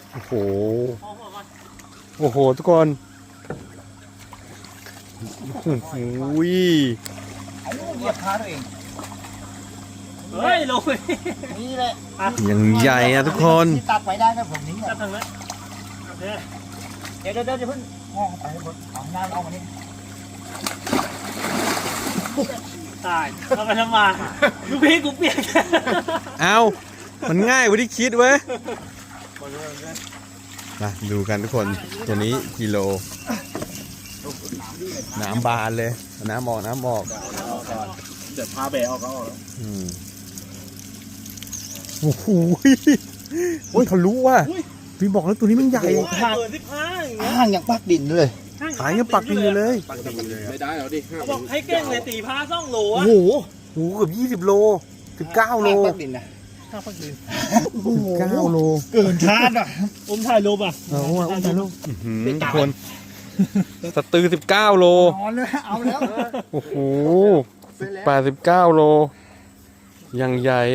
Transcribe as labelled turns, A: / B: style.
A: โอ้โหโอ้โหทุกคนโอ้โห
B: ไอ้ลูกเหยียบขาตัวเอง
C: เฮ้ยลงไป
B: นี่แหละ
A: ยังใหญ่อะทุกคน
B: ที่ตักไปได้นะผมนี้
C: จับทางนั้นโอเค
B: เดี๋ยวจะเพิ่งมองไปให้บนเอาหน้าเอามานี่
C: ตายเอาไปทำมาลูกพี่กูเปียก
A: เอามันง่ายกว่าที่คิดเว้ยมาดูกันทุกคนตัวนี้กิโลน้ำบานเลยน้ำออก
D: เดี๋ยวพาแบะออกก็ออกแล้ว
A: โอ้โหโอ้ยเขารู้ว่าพี่บอกแล้วตัวนี้มันใหญ่
C: ห่างเกิน15อย่างเงี้ย
B: ห่างอย่างปักดินเลย
A: หายยังปักดินอยู่เลย
D: ไม่ได้แล้วดิ
C: เขาบอกให้เก่งเลยตีพาซ่องโหล
B: โอ้
C: อะ
B: โห
A: โอ้โหเกือบ20 โล19 โล
B: ห่างปักดินนะ
C: ข้าวพักดิน
A: 19 โล
B: เกินคาดอ่ะ
C: อมถ่ายรูปอ่ะ
A: ถ่ายรูปทุกคนสตือ19 โล
B: นอนเลยเอาแล้ว
A: โอ้โห89 โลยังใหญ่